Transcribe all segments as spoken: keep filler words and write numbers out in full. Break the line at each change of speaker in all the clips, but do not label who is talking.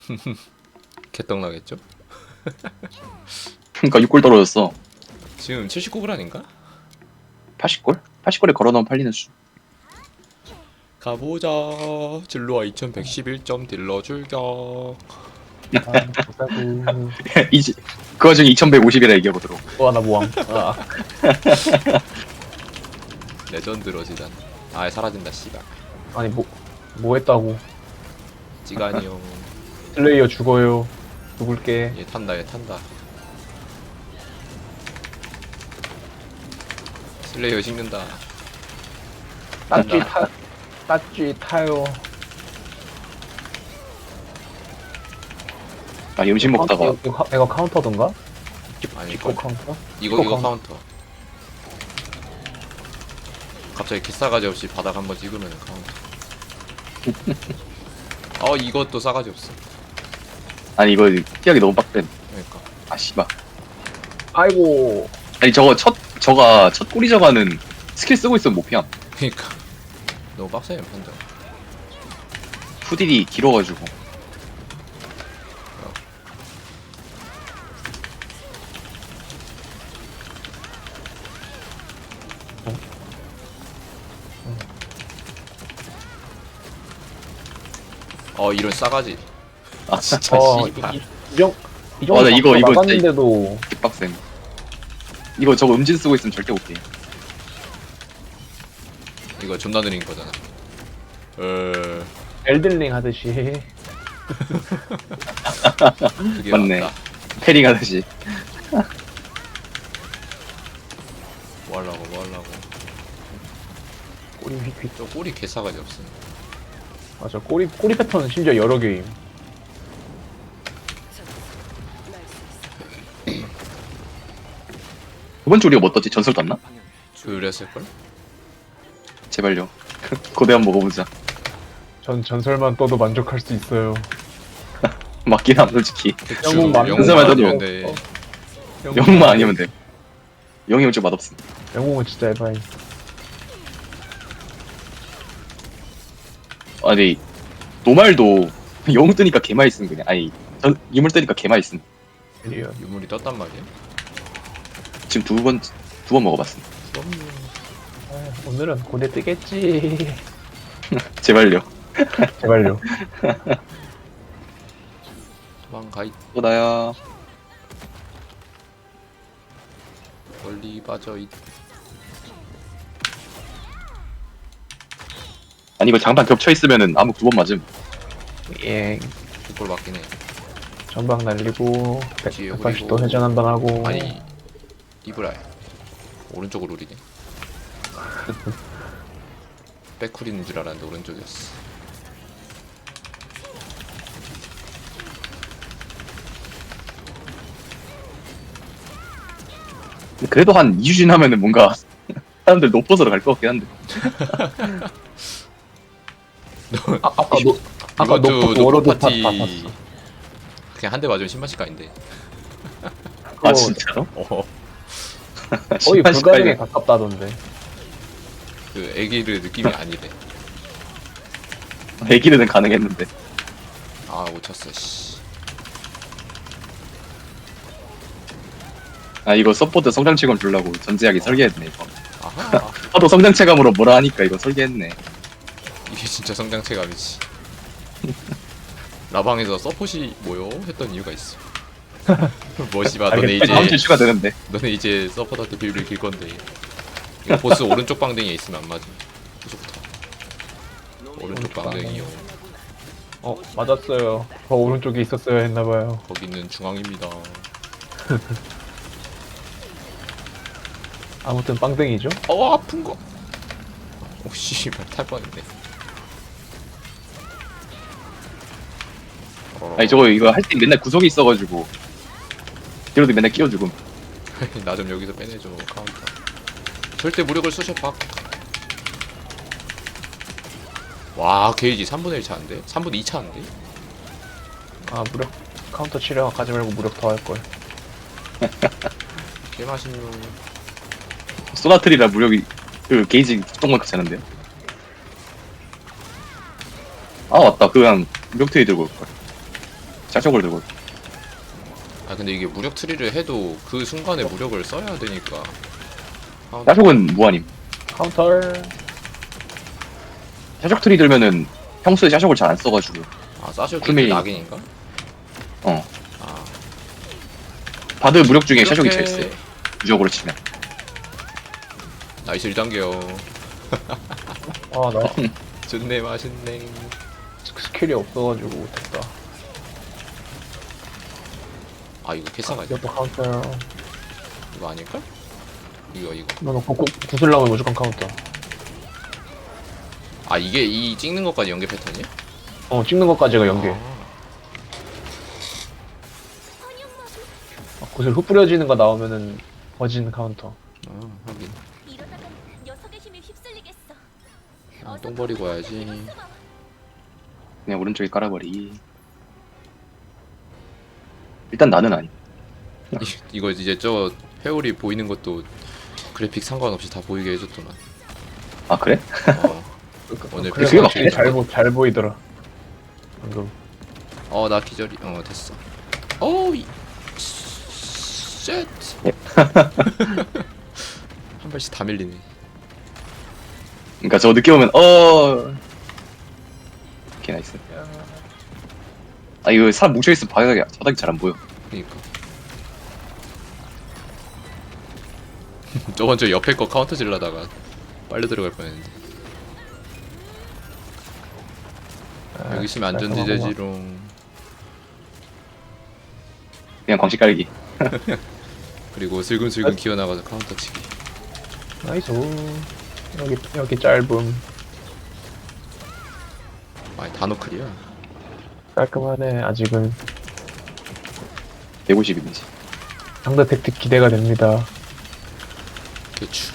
개떡 나겠죠?
그니까 육 골 떨어졌어.
지금 칠십구 불 아닌가?
팔십 골? 팔십 골에 걸어놓으면 팔리는 수.
가보자. 진로와 이천백십일 점 딜러 출격.
아, 보자구.
이제 그 와중에 이천백오십이라 얘기해보도록.
또 하나 모함. 아,
레전드 러지단. 아 사라진다 씨발.
아니 뭐, 뭐 했다고.
찌가니 형.
플레이어 죽어요. 죽을게.
얘 탄다 얘 탄다. 슬레이어 식는다.
따쥐 타, 따쥐 타요.
아, 이 음식 먹다가
이거, 이거, 이거 카운터던가?
아니
이거
이거
카운터?
이거, 이거
카운터.
카운터. 갑자기 기싸가지 없이 바닥 한번 찍으면 카운터. 어 이것도 싸가지 없어.
아니 이거 피하기 너무 빡센.
그러니까.
아 씨발.
아이고.
아니 저거 첫 저가 첫 꼬리 저가는 스킬 쓰고 있으면 못 피함.
그러니까 너무 빡세요 판정.
후딜이 길어가지고.
어 이런 싸가지.
아
진짜
어, 이,
씨발.
이, 이, 정, 이 정도
아, 나 이거- 이거 진짜-
나갔는데도
개빡센. 이거 저거 음진 쓰고 있으면 절대 못 피.
이거 존나 느린 거잖아. 어
엘든링 하듯이.
그게
맞네.
맞다.
패링 하듯이.
뭐 하려고 뭐 하려고.
꼬리 휙휙.
저 꼬리 개싸가지 없음.
맞아. 꼬리, 꼬리 패턴은 심지어 여러 개임.
두 번째 우리가 뭐 떴지? 전설 떴나?
그랬을걸?
제발요. 고대 한번 먹어보자.
전 전설만 떠도 만족할 수 있어요.
맞긴 함 솔직히.
영웅 만-
영웅만
전설만
아니면
떠도-
돼.
영웅만 아니면 돼. 영웅이 좀 맛없음.
영웅은 진짜 에바이.
아니 노말도 영웅 뜨니까 개 맛있음 그냥. 아니 전 유물 뜨니까 개 맛있음.
리얼.
유물이 떴단 말이야?
지금 두 번 두 번 먹어봤음.
그럼요.
아, 오늘은 고대 뜨겠지.
제발요.
제발요.
도망가
또 나야.
멀리 빠져 있.
아니 이거 장판 겹쳐 있으면은 암흑 두 번 맞음.
예.
그걸 맞긴 해.
전방 날리고
뒤에
백팔십 도
그리고-
회전 한 번 하고.
아니 이브라이 오른쪽으로 우리네. 백쿨인 줄 알았는데 오른쪽이었어.
그래도 한 이 주 지나면은 뭔가 사람들 높아서 갈 것 같긴 한데.
아, 아까 노 아까
이번 주
노트
노트
워로드 파
파티
봤어.
그냥 한 대 맞으면 십 만씩 가인데.
아 진짜로?
어.
거의
십만
불가능에
십팔 개.
가깝다던데.
그 애기를 느낌이 아니래.
애기는 가능했는데.
아 못 쳤어 씨.
아 이거 서포트 성장체감 주려고 전제하기 설계했네 이거.
아하.
하도 성장체감으로 뭐라 하니까 이거 설계했네.
이게 진짜 성장체감이지. 라방에서 서폿이 뭐요? 했던 이유가 있어. 뭐 씨발 너네
알겠다.
다음 주
이제
추가 되는데.
너네 이제 서폿한테 비밀을 길 건데. 이거 보스 오른쪽 방댕이에 있으면 안 맞음. 계속부터. 오른쪽
오른쪽
방댕이요.
어 맞았어요. 더 오른쪽에 있었어야 했나봐요.
거기는 중앙입니다.
아무튼 빵댕이죠.
어 아픈 거. 오 씨발 탈 뻔했네. 어,
아니 저거 이거 할 때 맨날 구석에 있어가지고 뒤로도 맨날 끼워주고.
나 좀 여기서 빼내줘 카운터. 절대 무력을 쑤셔 박. 와 게이지 삼분의 일 차인데? 삼분의 이 차인데?
아 무력 카운터 치료 가지 말고 무력 더 할 걸.
개맛있는.
소나트리라 무력이 그 게이지 조금만 괜찮은데요? 아 맞다 그냥 무력트이 들고 올걸. 샤적을 들고.
아 근데 이게 무력 트리를 해도 그 순간에 무력을 써야 되니까. 아,
샤적은 무한임.
카운터.
샤적 트리 들면은 평소에 샤적을 잘 안 써가지고.
아 사실
구밀.
그 낙인인가?
어.
아
바드 무력 중에 샤적이
이렇게-
제일 세. 무적으로 치면.
나이스 일 단계요.
아, 나
좋네 맛있네.
스킬이 없어가지고 못했다.
아 이거 캐사가 있다.
이것도 카운터.
이거 아닐까? 이거 이거.
너는 구, 구슬라면 무조건 카운터.
아 이게 이 찍는 것까지 연계 패턴이야?
어, 찍는 것까지가 연계.
아,
아, 구슬 흩 뿌려지는 거 나오면은 버진 카운터.
아 하긴.
이러다간 녀석의 힘에 휩쓸리겠어.
아, 똥 버리고 와야지.
그냥 오른쪽에 깔아버리. 일단 나는 아니.
이, 이거 이제 저 회오리 보이는 것도 그래픽 상관없이 다 보이게 해줬더만.
아 그래?
어, 오늘
그래,
그게
확실히
맞겠다.
잘, 보, 잘 보이더라. 방금.
어, 나 기절이. 어, 됐어. 어이. 쉣. 한 발씩 다 밀리네.
그러니까 저 늦게 오면 어. 오케이 나이스. 아 이거 사람 뭉쳐 있으면 바닥이 바닥이 잘 안 보여.
그니까. 저번 저 옆에 거 카운터 질러다가 빨려 들어갈 뻔했는데.
아,
여기 있으면 안전지대지롱.
그냥 광식 깔기.
그리고 슬금슬금 기어나가서 카운터 치기.
나이스. 여기, 여기 짧음.
아니 단호클이야.
깔끔하네, 아직은.
백오십이인지.
상대 택틱 기대가 됩니다.
대추.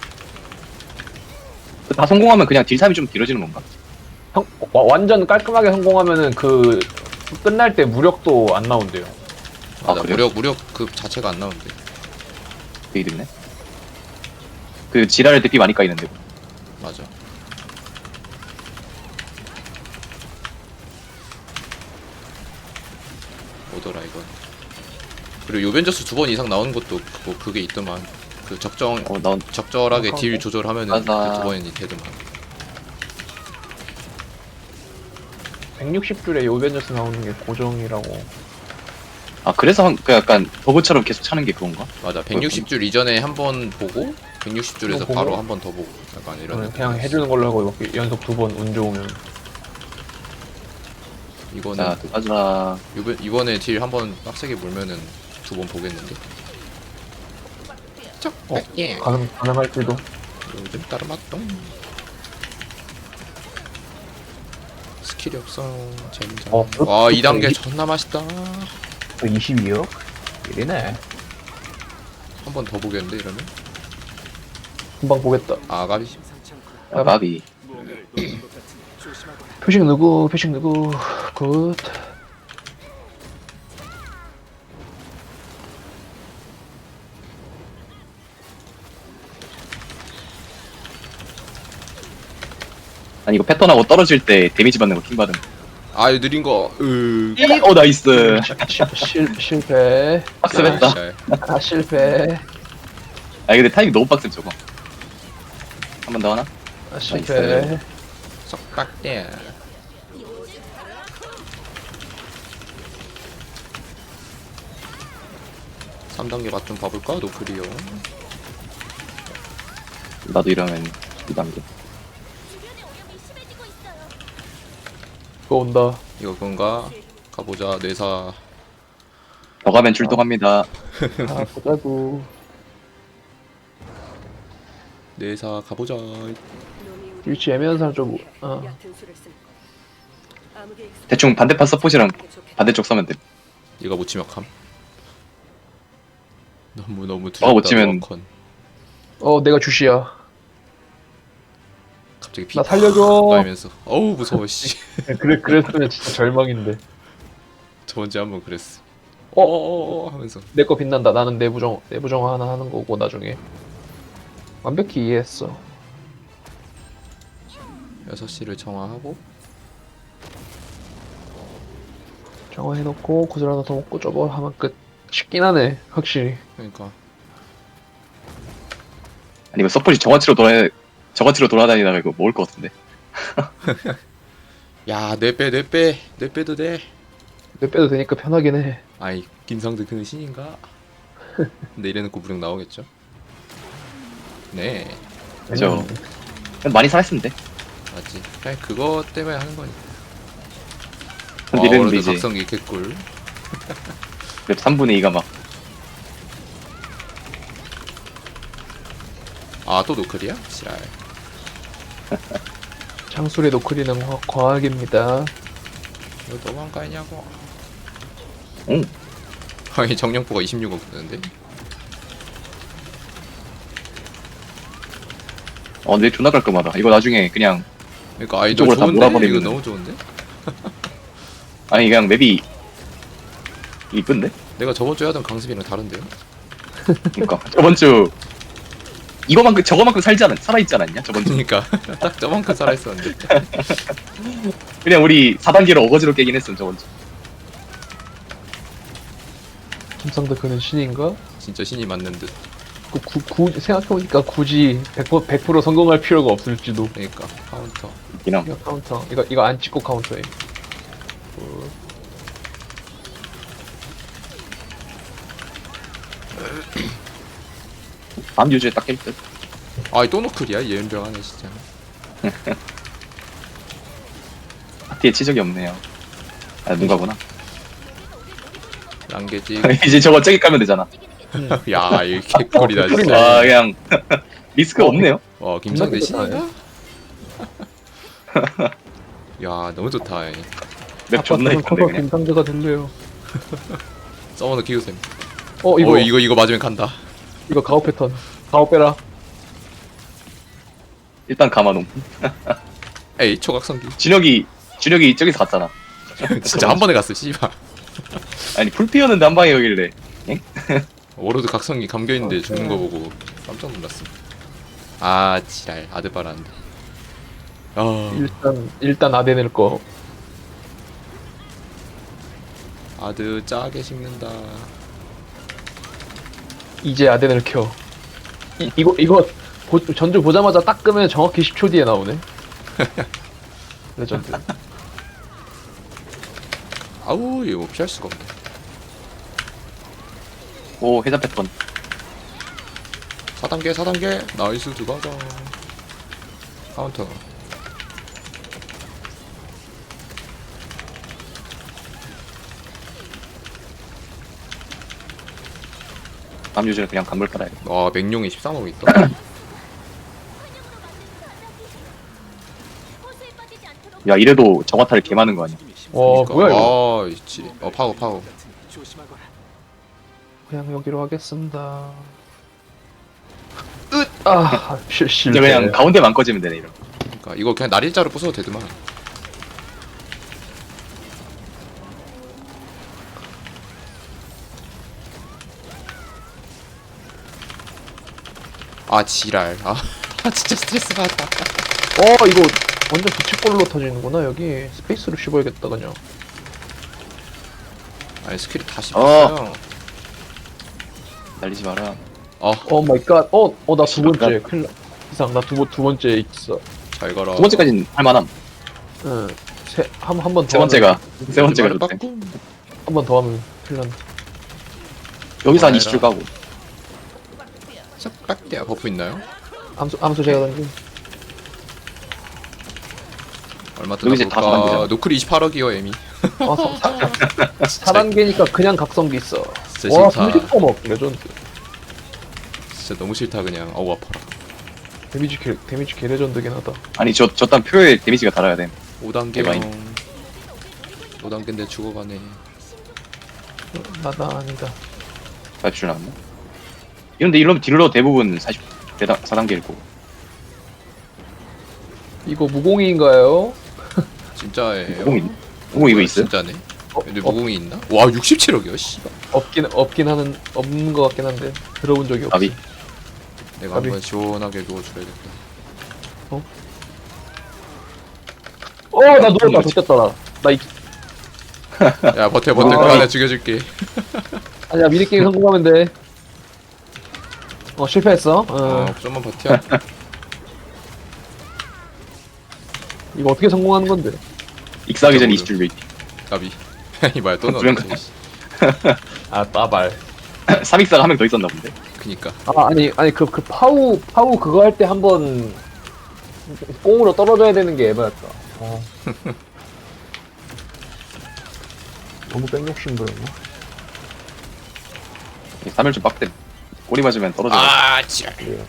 다 성공하면 그냥 딜 타임이 좀 길어지는 건가?
성, 와, 완전 깔끔하게 성공하면은 그, 끝날 때 무력도 안 나온대요.
맞아.
아, 그래요?
무력 무력 그 자체가 안 나오는데.
그 이득이네. 그 지랄 대피 많이 까이는데.
맞아. 뭐더라 이건. 그리고 요벤져스 두 번 이상 나오는 것도 그거 그게 있더만. 그 적정
어, 난
적절하게
어,
딜
어.
조절하면은
맞아.
그두 번이 되더만.
백육십 줄에 요벤져스 나오는 게 고정이라고.
아 그래서 한, 그 약간 버그처럼 계속 차는 게 그건가?
맞아. 백육십 줄 이전에 한 번 보고 백육십 줄에서
보고.
바로 한 번 더 보고 약간 이런.
그냥,
느낌.
그냥 해주는 걸로 하고 이렇게 연속 두 번 운 좋으면.
이거는
자, 또 가자.
요번 이번에 딜 한 번 빡세게 물면은 두 번 보겠는데. 쩍.
어,
예.
가능, 가능할지도.
요즘 따르맛똥. 스킬이 없어. 젠장.
어,
와,
그-
이 단계
이-
존나 맛있다.
이십이요? 일이네.
한 번 더 보겠는데 이러면?
금방 보겠다.
아, 가비.
아, 바비.
표식 누구, 표식 누구, 굿.
아니 이거 패턴하고 떨어질 때 데미지 받는 거 킹 받은 거.
아, 이 느린 거. 으.
어 나이스.
실, 실패.
빡세했다.
아,
아, 실패.
아 근데 타이밍 너무 빡세 저거. 한 번 더 하나?
아, 실패.
나이스.
썩박대. 삼 단계 맛 좀 봐볼까? 노플이요.
나도 이러면 이 단계.
주변의 오염이 심해지고 있어요.
또 온다.
이거 그건가? 가보자. 뇌사.
더 가면 출동합니다.
아, 보자고.
뇌사 가보자.
일치 애매한 사람 좀, 어.
대충 반대판 서폿이랑 반대쪽 서면 돼.
얘가 못 치면 감. 너무 너무
어,
두렵다.
못 치면-
워컨.
어, 내가 주시야.
갑자기 피
나 살려줘.
까이면서 어우 무서워 씨.
그래, 그랬으면 진짜 절망인데.
저번주에 한번 그랬어.
어?
어어어 하면서
내 거 빛난다. 나는 내부정, 내부정 하나 하는 거고, 나중에. 완벽히 이해했어.
여섯 시를 정화하고
강화해놓고 구슬 하나 더 먹고 저거 하면 끝. 쉽긴 하네 확실히.
그러니까
아니면 서폿이 정화치로 돌아 정화치로 돌아다니다가 이거 먹을 것 같은데.
야내빼내빼내 빼도 돼.
몇 빼도 되니까 편하긴 해.
아이 김상득 그는 신인가? 근데 이래놓고 무력 나오겠죠? 네
그죠.
음,
그냥 많이 살았으면 돼.
맞지. 그냥 그거 때문에 하는 거니까.
근데 이랬는데
워로드
이제
각성기 개꿀.
맵 삼분의 이가 막
아 또 노클이야? 지랄.
창술의 노크리는 과- 과학입니다.
이거 너무한 거 아니냐고.
응.
아니 정령포가 이십육억 드는데.
어, 근데 존나 깔끔하다. 이거 나중에 그냥
그러니까 아이 너
이쪽으로 다
좋은데? 이거
몰아버리면은.
너무 좋은데?
아니 그냥 맵이 이쁜데?
내가 저번 주에 하던 강습이랑 다른데요?
그러니까 저번 주 이거만큼 저거만큼 살지 않았 살아있지 않았냐? 저번 주
그러니까 딱 저만큼 살아있었는데.
그냥 우리 사 단계로 어거지로 깨긴 했음 저번 주.
김상도 그는 신인가?
진짜 신이 맞는 듯.
그 구, 구, 생각해보니까 굳이 백 퍼센트, 백 퍼센트 성공할 필요가 없을지도.
그러니까 카운터.
그냥
이거 카운터. 이거 이거 안 찍고 카운터해.
다음 유주에 딱 깰 듯.
아이 또 노클이야? 예은병하네 진짜.
파티에 치적이 없네요. 아 누가구나.
랑게지.
이제 저거 저기 까면 되잖아.
움직이는 게
야 이게 개꿀이다
개꿀이네.
진짜.
아 그냥 리스크가 없네요.
와 김상대
존나
신인가? 야 너무 좋다. 이.
맵 존나 이쁜데
커서
그냥.
김상대가 될래요.
서머너 키우셈.
어
이거
이거
어, 이거 이거 맞으면 간다.
이거 가오 패턴. 가오 빼라.
일단 감아놓음.
에이 초각성기.
준혁이 준혁이 저기서 갔잖아.
진짜 한 번에 갔어 씨발.
아니 풀피였는데 한 방에 여길래.
워로드 각성기 감겨 있는데 죽는 거 보고 깜짝 놀랐어. 아 지랄 아드바란데. 아
일단 일단 아덴을 거.
아드 짜게 식는다.
이제 아덴을 켜. 이, 이거 이거 보, 전주 보자마자 딱 끄면 정확히 십 초 뒤에 나오네. 레전드.
아우 이거 피할 수가 없네.
오 해자 패턴.
사 단계 사 단계 나이스 들어가자. 카운터.
다음 유주는 그냥 간물 깔아야 돼.
와 맹룡이 십삼억 있다.
호수에 빠지지 않도록
야 이래도 정화탈 개 많은 거 아니야?
와 뭐야 이거?
아 있지. 어 파워 파워.
그냥 여기로 하겠습니다. 으! 아, 실,
이제
실패.
그냥 가운데만 꺼지면 되네 이런.
그러니까 이거 그냥 날일자로 부숴도 되더만. 아 지랄. 아 진짜 스트레스 받아.
어, 이거 완전 부채꼴로 터지는구나, 여기. 스페이스로 씹어야겠다, 그냥.
아니 스킬이 다 씹혔어요.
날리지 마라.
어.
오 마이 갓. 어, 어, 나 두
씨발.
번째. 큰일 나. 이상, 나 두, 번- 두 번째 있어.
잘 가라.
두 번째까지는 할만함.
응. 세, 한, 한 번 더.
세 번째가 세 번째가
말을
좋대.
바꿈.
한 번 더 하면 큰일 난다.
여기서 한
아,
이십 줄 가고.
싹 깍대야 버프 있나요?
암수, 암수 제가 던진.
얼마
여기 이제 다
뜯어볼까?
사단계잖아.
노클 이십팔억이요 에미.
아, 사, 사 단계니까 그냥 각성기 있어.
진짜
와,
싫다.
삼십 퍼먹 레전드.
진짜 너무 싫다 그냥. 어우 아파라.
데미지 개, 데미지 개 레전드긴 하다.
아니 저 저딴 표에 데미지가 달아야 돼.
오 단계
대박이네.
형. 오 단계인데 죽어가네.
어, 나나 아니다.
사십 줄 나왔나? 이런데 이러면 딜러 대부분 사십 사 단계일 거고.
이거 무공이인가요?
진짜예요.
무공이 무공 이거 있어요?
진짜네.
어,
근데
어,
무공이 있나? 와 육십칠억이요 씨발.
없긴 없긴 하는 없는 것 같긴 한데 들어본 적이 없어.
아비.
내가
까비.
한번 시원하게 누워줘야겠다.
어, 나 누웠다.
거지.
좋겠다 나. 나 이,
야 버텨 버텨 그 하나 죽여줄게.
아니야 미니게임 성공하면 돼. 어 실패했어. 어.
어 좀만 버텨.
이거 어떻게 성공하는 건데?
익사하기 전에 이십 줄 웨이팅.
까비. 이 뭐야 또
두명
넣었네.
아 따발.
삼 익사가 한 명 더 있었나 본데.
그니까.
아 아니 아니 그 그 파우 파우 그거 할 때 한번 꽁으로 떨어져야 되는 게 에바였다. 어. 너무 뺑욕심 부렸나?
삼 일 좀 빡대. 꼬리 맞으면 떨어져.
아 지랄.
예.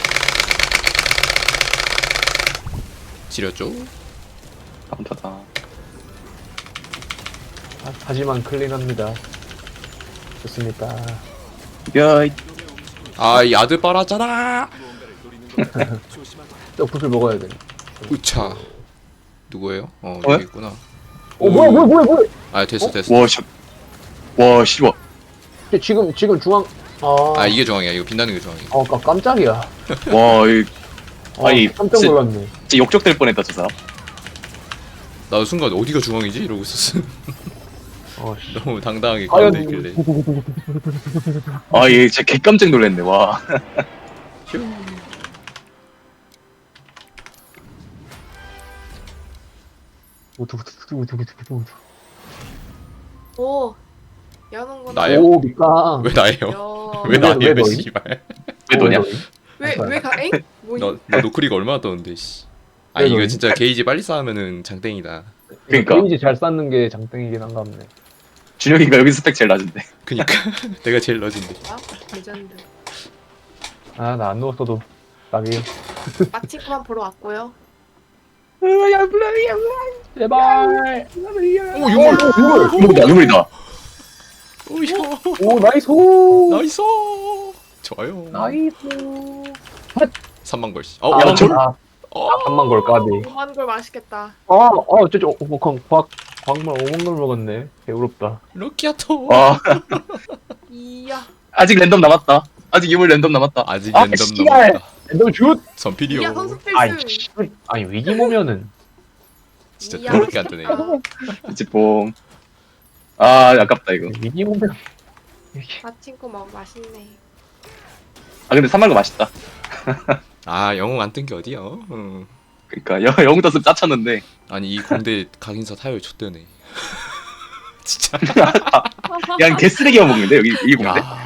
지렸죠?
카운터다.
아, 하지만 클린합니다. 좋습니다.
야, 이-
아이 아드바라잖아.
떡볶이 먹어야 돼.
우차. 누구예요? 어
어?
여기 있구나.
어 뭐야 뭐야 뭐야 뭐야?
아 됐어 됐어.
와, 씨. 와, 씨와.
지금 지금 중앙. 아,
아 이게 중앙이야. 이거 빛나는 게 중앙이야.
어 깜- 깜짝이야.
와, 이
어,
아니,
깜짝
진짜-
놀랐네.
진짜 역적될 뻔했다, 저 사람.
나도 순간 어디가 중앙이지 이러고 있었어.
어 씨.
너무 당당하게
과연
가운데 있길래.
아, 얘 진짜 개 깜짝 놀랐네, 와.
오. 여는구나.
나예요?
오 미까.
왜 나예요?
여.
왜
왜- 왜
나예요?
너희?
씨발.
왜 너냐?
왜왜 가? 엥? 뭐니?
너, 너 노크리가 얼마나 떴는데 씨. 아
왜
이거
너희?
진짜 게이지 빨리 쌓으면은 장땡이다.
그러니까.
게임지 잘 쌓는 게 장땡이긴 한가 보네.
준혁이가 여기 스펙 제일 낮은데.
그니까 내가 제일 낮은데.
아, 레전드.
아 나 안 누웠어도 딱이.
마치코만 보러 왔고요.
제발.
오 유물.
유물이다, 유물이다.
오야.
오 나이스.
나이스. 좋아요.
나이스.
삼만 걸씨. 어,
아,
야, 저...
아,
어.
한만 걸 까비.
오만 걸 맛있겠다.
아, 어, 저저 어, 광, 광, 광말 오만 걸 먹었네. 배부럽다.
럭키아토.
와,
이야.
아직 랜덤 남았다. 아직 유물 랜덤 남았다.
아직
아,
랜덤
씨발.
남았다.
너 슛.
선필이요.
이야 선수
아이,
필승.
씨. 아니 위기 모면은
진짜
이야,
더럽게 안 뜨네.
맛있겠다.
이제 뽕. 아, 아깝다, 이거.
위기 모면.
마치코 먹 맛있네.
아, 근데 삼만거 맛있다.
아 영웅 안 뜬 게 어디야? 응.
그니까, 러 영웅 떴으면 짜쳤는데.
아니 이 공대 각인사 타율 좆되네. 진짜.
그냥 개쓰레기만 먹는데, 여기, 이 공대?
야